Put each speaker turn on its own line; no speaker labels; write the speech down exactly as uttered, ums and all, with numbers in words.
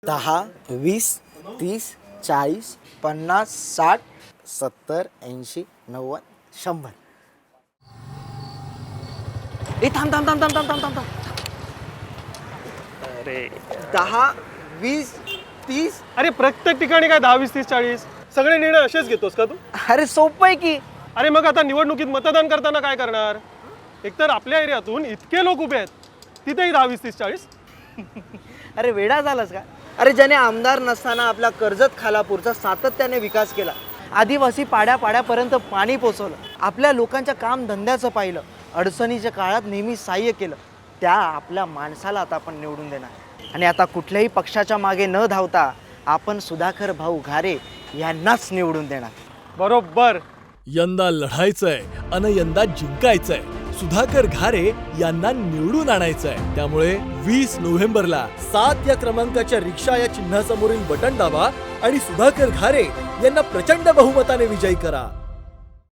दहा, वीस, तीस, चाळीस, पन्नास, साठ, सत्तर, ऐंशी, नव्वद, शंभर. ए थांब थांब थांब थांब थांब थांब थांब थांब.
अरे
दहा, वीस, तीस.
अरे प्रत्येक ठिकाणी काय दहा वीस तीस चाळीस सगळे निर्णय असेच घेतोस का तू?
अरे सोपं आहे की.
अरे मग आता निवडणुकीत मतदान करताना काय करणार? एकतर आपल्या एरियातून इतके लोक उभे आहेत तिथेही दहा वीस तीस चाळीस.
अरे वेडा झालास का? अरे ज्याने आमदार नसताना आपला कर्जत खालापूरचा सातत्याने विकास केला, आदिवासी पाड्या पाड्यापर्यंत पाणी पोचवलं, आपल्या लोकांच्या काम धंद्याचं पाहिलं, अडचणीच्या काळात नेहमी सहाय्य केलं, त्या आपल्या माणसाला आता आपण निवडून देणार. आणि आता कुठल्याही पक्षाच्या मागे न धावता आपण सुधाकर भाऊ घारे यांनाच निवडून देणार.
बरोबर.
यंदा लढायचंय अन यंदा जिंकायचंय. सुधाकर घारे यांना निवडून आणायचंय. त्यामुळे वीस नोव्हेंबरला सात या क्रमांकाच्या रिक्षा या चिन्हासमोरील बटन दाबा आणि सुधाकर घारे यांना प्रचंड बहुमताने विजयी करा.